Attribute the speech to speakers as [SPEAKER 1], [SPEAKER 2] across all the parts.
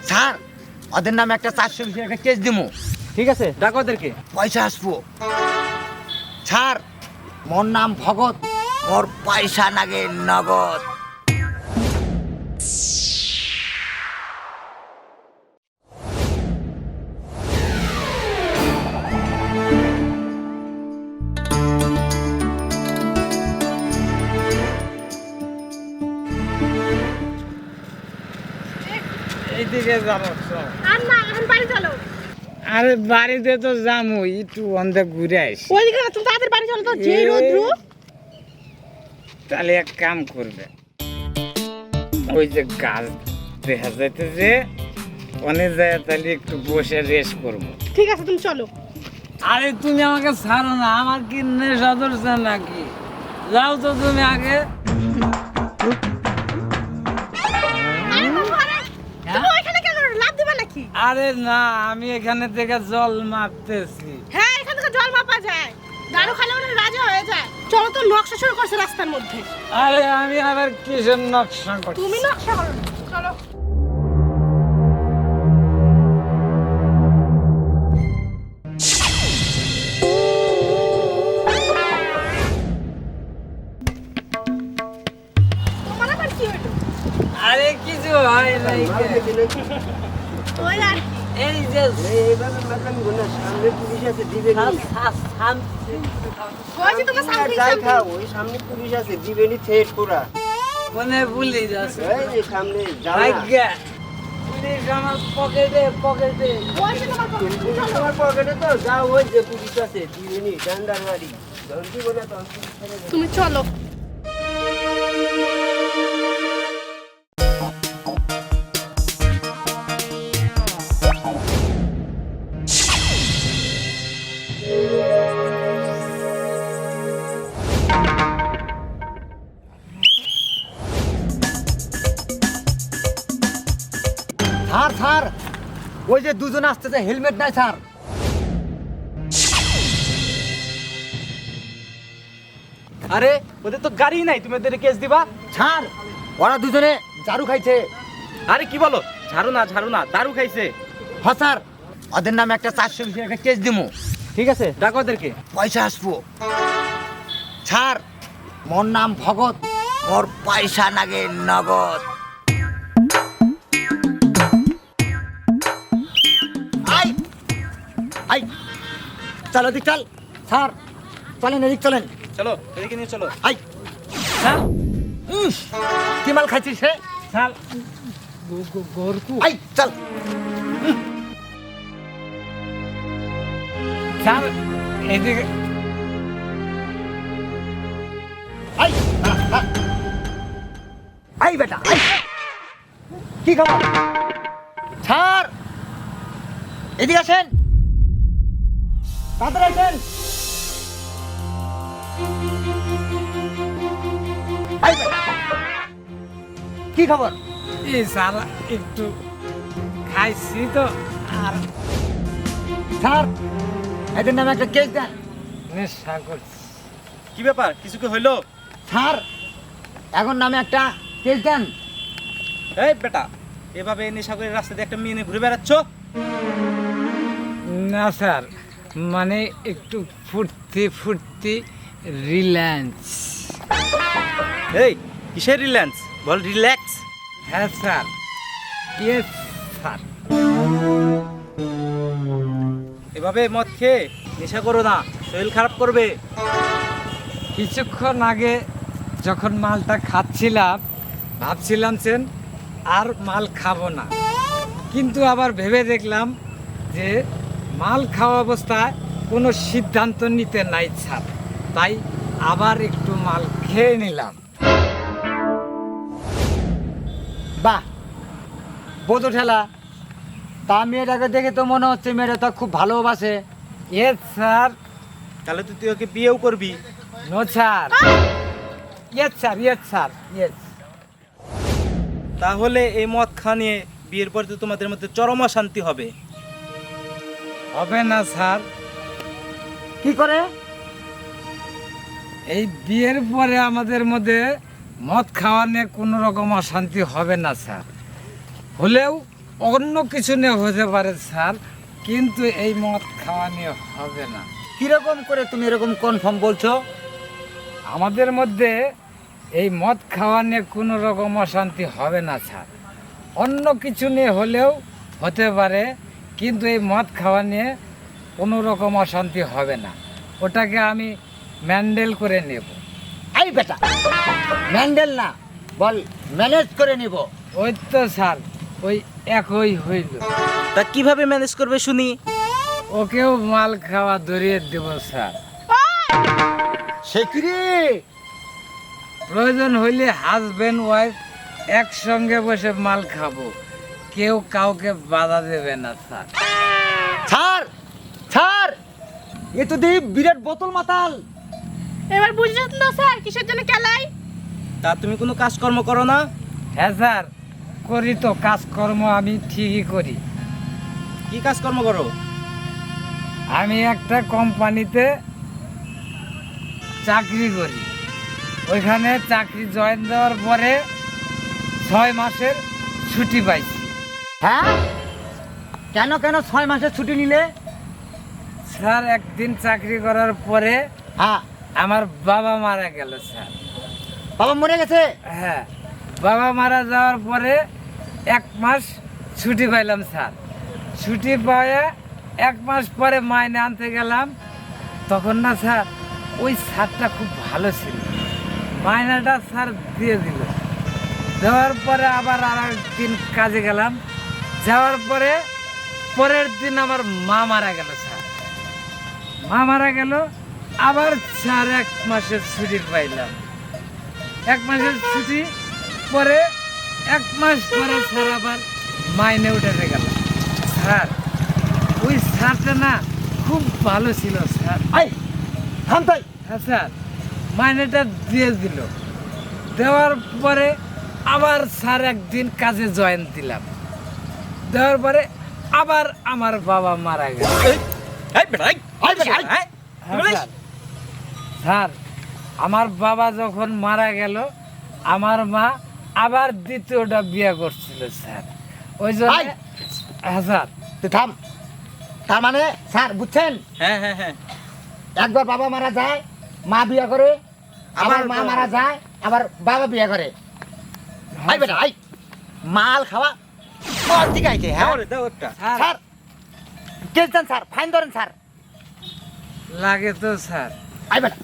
[SPEAKER 1] Sir ওদের নামে একটা 420 টাকা কেস দিমু।
[SPEAKER 2] ঠিক আছে, ডাকো ওদেরকে।
[SPEAKER 1] পয়সা আসবো। স্যার মোর নাম ভগত, মোর পয়সা নাগে নগদ।
[SPEAKER 2] এইদিকে যাবো।
[SPEAKER 3] আর না, এখন বাড়ি চলো।
[SPEAKER 2] আরে বাড়িতে তো যাবো, একটু অন্ধে ঘুরে আসি।
[SPEAKER 3] ওইদিকে না, তুমি তাড়াতাড়ি বাড়ি চলো তো, যে রোদ্রু।
[SPEAKER 2] তাহলে এক কাম করবে, ওই যে গাছ দেখা যাইতেছে অনেক জায়গায়, তাহলে একটু বসে রেস্ট করবো।
[SPEAKER 3] ঠিক আছে, তুমি চলো।
[SPEAKER 2] আরে তুমি আমাকে ছাড়ো না, আমার কি নেশা ধরছে নাকি? যাও তো তুমি আগে।
[SPEAKER 3] আরে ঘরে, তুমি ওইখানে কেন লাফ দিবা নাকি?
[SPEAKER 2] আরে না, আমি এখানে থেকে জল মারতেছি।
[SPEAKER 3] হ্যাঁ, এখান থেকে জল মাপা যায়, দারু খালে ওরা রাজা হয়ে যায়। চলো তো, নকশা শুরু করছে রাস্তার মধ্যে।
[SPEAKER 2] আরে আমি আবার কিসের নকশা করছি?
[SPEAKER 3] তুমি নকশা করো না। চলো। তোমার আবার কি হলো?
[SPEAKER 2] আরে কিছু হয় নাই।
[SPEAKER 3] ওই আর কি।
[SPEAKER 2] এই যে
[SPEAKER 3] ওই যে তোমার সামনে
[SPEAKER 2] মনে পুলিশ আছে।
[SPEAKER 4] সামনে
[SPEAKER 2] ভাগ্যা পুলিশ আমার পকেটে পকেটে।
[SPEAKER 3] ওই যে তোমার পকেটে, তুমি চলো।
[SPEAKER 4] তোমার পকেটে তো যাও, ওই যে পুলিশ আছে দিবেনি ডান্ডার বাড়ি ধরছি বলে তো আমি পুলিশ ছেড়ে দেব।
[SPEAKER 3] তুমি চলো।
[SPEAKER 1] স্যার স্যার ওই যে দুজন আসতেছে, হেলমেট নাই স্যার।
[SPEAKER 5] আরে ওদের তো গাড়ি নাই, তুমি ওদের কেস দিবা?
[SPEAKER 1] স্যার ওরা দুজনে জারু খাইছে।
[SPEAKER 5] আরে কি বলো? ঝাড়ু না, দারু খাইছে।
[SPEAKER 1] হ্যাঁ স্যার ওদের নামে একটা 420 টাকা কেস দিমু।
[SPEAKER 5] ঠিক আছে, ডাকো ওদেরকে।
[SPEAKER 1] পয়সা আসবো। স্যার মোর নাম ভগত, মোর পয়সা নাগে নগদ। আই আই চল এদিক চল। স্যার চলেন এদিক চলেন।
[SPEAKER 5] চলো এদিকে নিয়ে চলো।
[SPEAKER 1] আই স্যার কি মাল খাইছিস হে?
[SPEAKER 2] স্যার গরকু।
[SPEAKER 1] আই চল।
[SPEAKER 2] স্যার এদিকে।
[SPEAKER 1] আই আই বেটা আই। কি খবর? স্যার এদিকে আসেন, তাড়াতাড়ি আসেন। আই বেটা, কি খবর?
[SPEAKER 2] এই স্যার একটু খাইছি তো, আর
[SPEAKER 1] স্যার এদের নামে একটা কেস দেন।
[SPEAKER 2] নেশা করছি।
[SPEAKER 5] কি ব্যাপার, কিছু কি হইলো?
[SPEAKER 1] স্যার এখন নামে একটা কেস দেন।
[SPEAKER 5] এই বেটা, এভাবে নেশা করে রাস্তা দিয়ে একটা মেয়ে নিয়ে ঘুরে বেড়াচ্ছ?
[SPEAKER 2] না স্যার, মানে একটু ফুর্তি ফুর্তি রিল্যাক্স।
[SPEAKER 5] এই কিসের রিল্যাক্স? বল রিল্যাক্স।
[SPEAKER 2] হ্যাঁ স্যার, ইয়েস স্যার।
[SPEAKER 5] এভাবে মদ খেয়ে নেশা করো না, শরীর খারাপ করবে।
[SPEAKER 2] কিছুক্ষণ আগে যখন মালটা খাচ্ছিলাম ভাবছিলাম সেন আর মাল খাবো না, কিন্তু আবার ভেবে দেখলাম যে মাল খাওয়া অবস্থায় কোনো সিদ্ধান্ত নিতে নাই স্যার, তাই আবার একটু মাল খেয়ে নিলাম।
[SPEAKER 1] বাহ বোধ ঠেলা। তা মেয়েটাকে দেখে তো মনে হচ্ছে মেয়েটা তো খুব ভালোবাসে।
[SPEAKER 2] Yes sir.
[SPEAKER 5] তাহলে তো তুই ওকে বিয়েও করবি।
[SPEAKER 2] No sir. Yes sir, yes sir, yes.
[SPEAKER 5] তাহলে এই মদ খাওয়া নিয়ে বিয়ের পরে তো তোমাদের মধ্যে চরম অশান্তি হবে।
[SPEAKER 2] হবে না স্যার।
[SPEAKER 1] কি করে?
[SPEAKER 2] এই বিয়ের পরে আমাদের মধ্যে মদ খাওয়া নিয়ে কোনো রকম অশান্তি হবে না স্যার, হলেও অন্য কিছু নিয়ে হতে পারে স্যার, কিন্তু এই মদ খাওয়া নিয়ে হবে না।
[SPEAKER 1] কিরকম করে তুমি এরকম কনফার্ম বলছো?
[SPEAKER 2] আমাদের মধ্যে এই মদ খাওয়া নিয়ে কোনো রকম অশান্তি হবে না স্যার। অন্য কিছু নিয়ে হলেও হতে পারে, কিন্তু এই মদ খাওয়া নিয়ে কোনো রকম অশান্তি হবে না। ওটাকে আমি ম্যান্ডেল করে নেব।
[SPEAKER 1] এই বেটা, ম্যান্ডেল না, বল ম্যানেজ করে নিব।
[SPEAKER 2] ওই তো স্যার, ওই একই হইল।
[SPEAKER 5] তা কিভাবে ম্যানেজ করবে শুনি?
[SPEAKER 2] ওকেও মাল খাওয়া ধরিয়ে দেব স্যার।
[SPEAKER 1] সে কি রে?
[SPEAKER 2] প্রয়োজন হইলে হাজব্যান্ড ওয়াইফ একসঙ্গে বসে মাল খাবো, কেউ কাউকে বাধা দেবে না স্যার।
[SPEAKER 1] স্যার, স্যার, এ তো দেখি বিরাট বোতল মাতাল।
[SPEAKER 3] এবার বুঝেছেন তো স্যার কিসের জন্য কেলাই?
[SPEAKER 5] তা তুমি কোনো কাজকর্ম করো না?
[SPEAKER 2] হ্যাঁ স্যার, করি তো কাজকর্ম, আমি ঠিকই করি।
[SPEAKER 5] কি কাজকর্ম করো?
[SPEAKER 2] আমি একটা কোম্পানিতে চাকরি করি। ওইখানে চাকরি জয়েন দেওয়ার পরে 6 মাসের ছুটি পাইছি।
[SPEAKER 1] হ্যাঁ, কেন কেন 6 মাসের ছুটি নিলে?
[SPEAKER 2] স্যার, একদিন চাকরি করার পরে
[SPEAKER 1] হ্যাঁ,
[SPEAKER 2] আমার বাবা মারা গেল স্যার।
[SPEAKER 1] বাবা মরে গেছে?
[SPEAKER 2] হ্যাঁ, বাবা মারা যাওয়ার পরে 1 মাস ছুটি পাইলাম স্যার। ছুটি পাওয়া 1 মাস পরে মাইনে আনতে গেলাম, তখন না স্যার ওই স্যারটা খুব ভালো ছিল, মাইনাটা স্যার দিয়ে দিল। দেওয়ার পরে আবার আর একদিন কাজে গেলাম, যাওয়ার পরে পরের দিন আমার মা মারা গেল স্যার। মা মারা গেল, আবার স্যার 1 মাসের ছুটি পাইলাম। 1 মাসের ছুটি পরে 1 মাস পরে স্যার আবার মাইনে উঠে গেল স্যার। ওই স্যারটা না খুব ভালো ছিল স্যার।
[SPEAKER 1] এই থাম তাই।
[SPEAKER 2] হ্যাঁ স্যার, মাইনেটা দিয়ে দিল। দেওয়ার পরে আবার স্যার একদিন কাজে জয়েন দিলাম। দেওয়ার পরে আবার আমার বাবা মারা গেল।
[SPEAKER 1] এই বেটা, এই বেটা, এই।
[SPEAKER 2] হ্যাঁ স্যার, স্যার আমার বাবা যখন মারা গেল, আমার মা আবার দ্বিতীয়টা বিয়ে করছিল স্যার। ওই জন্য
[SPEAKER 1] এই।
[SPEAKER 2] হ্যাঁ স্যার।
[SPEAKER 1] তুই থাম। তার মানে স্যার বুঝছেন,
[SPEAKER 5] হ্যাঁ হ্যাঁ হ্যাঁ।
[SPEAKER 1] একবার বাবা মারা যায়, মা বিয়ে করে, আবার
[SPEAKER 5] আবার
[SPEAKER 1] মা
[SPEAKER 5] বাবা।
[SPEAKER 1] মারা যায়, আবার বাবা বিয়ে করে। এই বেটা, এই মাল খাওয়া কোন দিকে আইছে? হ্যাঁ
[SPEAKER 5] দাও রে, দাও একটা।
[SPEAKER 2] স্যার,
[SPEAKER 1] স্যার, কেলছেন স্যার, ফাইন ধরেন স্যার।
[SPEAKER 2] লাগে তো স্যার।
[SPEAKER 1] আই বেটা,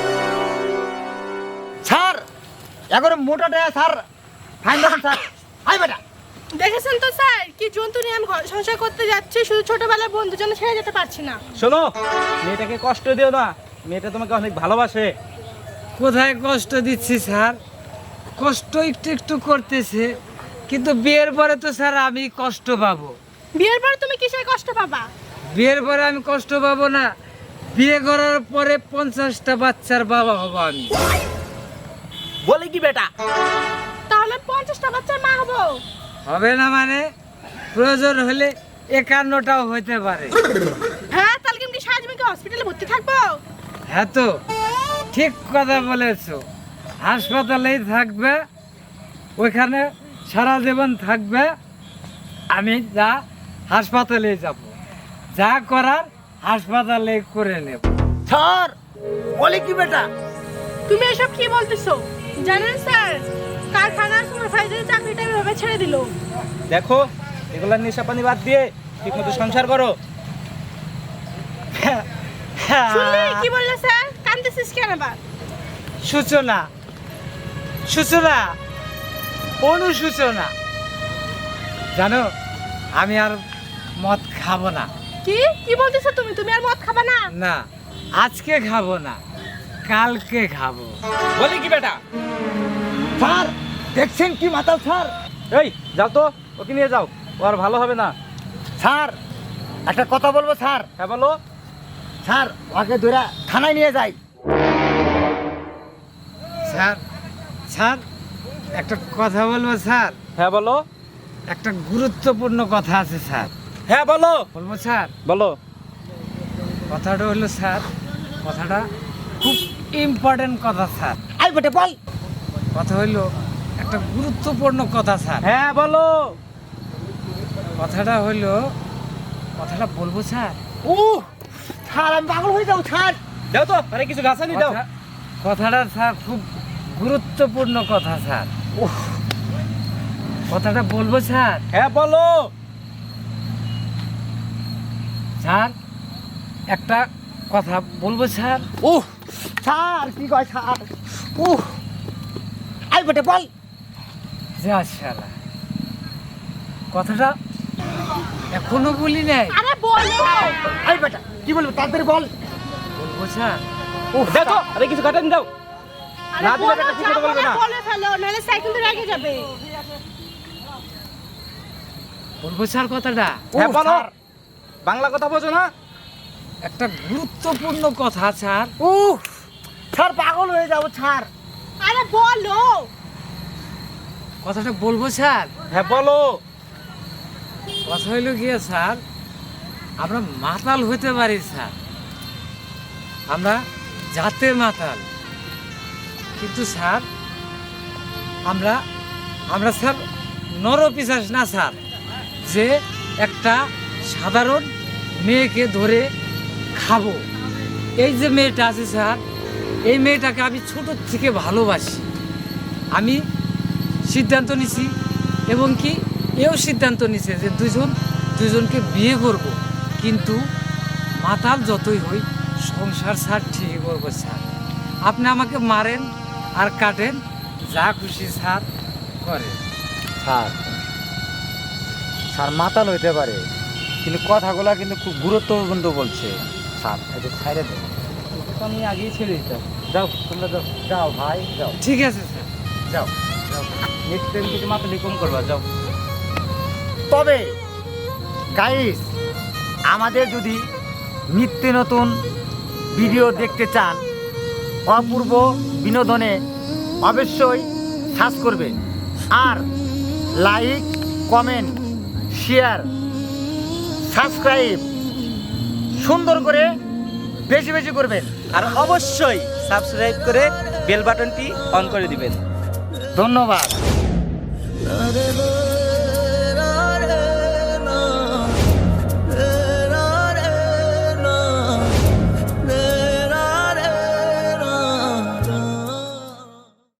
[SPEAKER 1] স্যার এগারো মোটাটা স্যার, ফাইন ধরেন স্যার। আই বেটা,
[SPEAKER 3] দেখেছেন তো স্যার কি জন্তু নিয়ে আমি ঘর সংসার করতে যাচ্ছি, শুধু ছোটবেলার বন্ধুর জন্য ছেড়ে যেতে পারছি না।
[SPEAKER 5] শোনো, মেয়েটাকে কষ্ট দিও না, মেয়েটা তোমাকে অনেক ভালোবাসে।
[SPEAKER 2] কোথায় কষ্ট দিচ্ছি স্যার? কষ্ট একটু একটু করতেছে, কিন্তু বিয়ের পরে তো স্যার আমি কষ্ট পাবো।
[SPEAKER 3] বিয়ের পর তুমি কিসের কষ্ট পাবা?
[SPEAKER 2] বিয়ের পরে আমি কষ্ট পাবো না, বিয়ে করার পরে 50টা বাচ্চার বাবা হব আমি।
[SPEAKER 5] বলে কি বেটা?
[SPEAKER 3] তাহলে 50টা বাচ্চার মা হবো?
[SPEAKER 2] হবে না মানে, প্রয়োজন হলে 51টাও হইতে পারে।
[SPEAKER 3] হ্যাঁ, তাহলে কি আমি সারাজীবনকে হসপিটালে ভর্তি থাকবো?
[SPEAKER 2] হ্যাঁ তো, ঠিক কথা বলেছো। হাসপাতালেই থাকবে, ওইখানে সারা জীবন থাকবে। আমি যা হাসপাতালে যাব, যা করার হাসপাতালে করে নেব।
[SPEAKER 1] স্যার বলে কি বেটা?
[SPEAKER 3] তুমি এসব কি বলতেছো? জানেন স্যার, কারখানার সুপারভাইজারের চাকরিটা এভাবে ছেড়ে দিল।
[SPEAKER 5] দেখো, এগুলা নেশা পানি বাদ দিয়ে ঠিক মতো সংসার করো।
[SPEAKER 3] শুনলি কি বললে স্যার? কাঁদতেছিস কেন আবার?
[SPEAKER 2] সূচনা, সূচনা, অনুসূচনা। জানো, আমি আর মদ খাবো না।
[SPEAKER 3] কি কি বলতেছো তুমি? তুমি আর মদ খাবা না?
[SPEAKER 2] না, আজকে খাবো না, কালকে খাবো।
[SPEAKER 5] বলে কি বেটা?
[SPEAKER 1] স্যার দেখছেন কি মাতাল স্যার?
[SPEAKER 5] এই যাও তো, ওকে নিয়ে যাও, ও আর ভালো হবে না।
[SPEAKER 1] স্যার একটা কথা বলবো স্যার।
[SPEAKER 5] হ্যাঁ বলো।
[SPEAKER 1] স্যার ওকে ধরে থানায় নিয়ে যাই।
[SPEAKER 2] স্যার, স্যার একটা কথা বলবো স্যার?
[SPEAKER 5] হ্যাঁ বলো।
[SPEAKER 2] একটা গুরুত্বপূর্ণ কথা আছে স্যার।
[SPEAKER 5] হ্যাঁ বলো।
[SPEAKER 2] বলবো স্যার?
[SPEAKER 5] বলো।
[SPEAKER 2] কথাটা হলো স্যার, কথাটা খুব ইম্পর্টেন্ট কথা স্যার।
[SPEAKER 1] আই বেটা বল।
[SPEAKER 2] কথা হইলো একটা গুরুত্বপূর্ণ কথা স্যার।
[SPEAKER 5] হ্যাঁ বলো।
[SPEAKER 2] কথাটা হলো, কথাটা বলবো স্যার?
[SPEAKER 1] ও স্যার, আমি পাগল হয়ে যাবো স্যার।
[SPEAKER 5] দাও তো, আরে কিছু গাছ আনি দাও।
[SPEAKER 2] কথাটা স্যার খুব গুরুত্বপূর্ণ কথা স্যার। কথাটা বলবো স্যার?
[SPEAKER 5] হ্যাঁ বলো।
[SPEAKER 2] স্যার একটা কথা বলবো স্যার?
[SPEAKER 1] ও স্যার, কি কয় স্যার? ও আই বেটে বল।
[SPEAKER 2] যা শালা, কথাটা এখনো বলি নাই।
[SPEAKER 3] আরে বলো।
[SPEAKER 1] আই বেটা, কি বলবো তাড়াতাড়ি বল।
[SPEAKER 2] বলবো স্যার?
[SPEAKER 5] ও দাও তো, আরে কিছু কাটানি দাও।
[SPEAKER 3] আরে
[SPEAKER 5] না দিলে
[SPEAKER 3] বলো,
[SPEAKER 5] বেটা ঠিক
[SPEAKER 3] যা
[SPEAKER 5] কথা বলবে
[SPEAKER 3] বলে
[SPEAKER 5] না।
[SPEAKER 3] বলে ফেলো, নাহলে সাইকেল তো রেগে যাবে।
[SPEAKER 2] বলবো স্যার কথাটা?
[SPEAKER 5] হ্যাঁ
[SPEAKER 1] ও,
[SPEAKER 5] বলো।
[SPEAKER 1] স্যার।
[SPEAKER 5] বাংলা কথা বোঝো না?
[SPEAKER 2] একটা গুরুত্বপূর্ণ কথা স্যার।
[SPEAKER 1] ও স্যার, পাগল হয়ে যাবো স্যার।
[SPEAKER 3] আরে বলো।
[SPEAKER 2] কথাটা বলবো স্যার?
[SPEAKER 5] হ্যাঁ বলো।
[SPEAKER 2] কথা হইল গিয়ে স্যার, আমরা মাতাল হতে পারি স্যার, আমরা জাতে মাতাল, কিন্তু স্যার আমরা আমরা স্যার নরপিশাচ না স্যার, যে একটা সাধারণ মেয়েকে ধরে খাবো। এই যে মেয়েটা আছে স্যার, এই মেয়েটাকে আমি ছোটোর থেকে ভালোবাসি। আমি সিদ্ধান্ত নিছি, এবং কি এও সিদ্ধান্ত নিছে যে দুজনকে বিয়ে করব, কিন্তু মাতাল যতই হই সংসার স্যার ঠিকই করবো স্যার। আপনি আমাকে মারেন আর কাটেন, যা খুশি স্যার করেন।
[SPEAKER 1] স্যার, স্যার মাতাল হইতে পারে, কিন্তু কথাগুলো কিন্তু খুব গুরুত্বপূর্ণ বলছে স্যার। এটা ছাইড়ে দেন,
[SPEAKER 5] তো আমি আগেই ছেড়ে দিতাম।
[SPEAKER 1] যাও তোমরা যাও, যাও ভাই যাও,
[SPEAKER 2] ঠিক আছে স্যার।
[SPEAKER 1] যাও।
[SPEAKER 5] নেক্সট টাইম থেকে মাতালি কম করবা, যাও।
[SPEAKER 1] তবে গাইস, আমাদের যদি নিত্য নতুন ভিডিও দেখতে চান অপূর্ব বিনোদনে, অবশ্যই সার্চ করবেন, আর লাইক, কমেন্ট, শেয়ার, সাবস্ক্রাইব সুন্দর করে বেশি বেশি করবেন।
[SPEAKER 5] আর অবশ্যই সাবস্ক্রাইব করে বেল বাটনটি অন করে দিবেন।
[SPEAKER 1] ধন্যবাদ।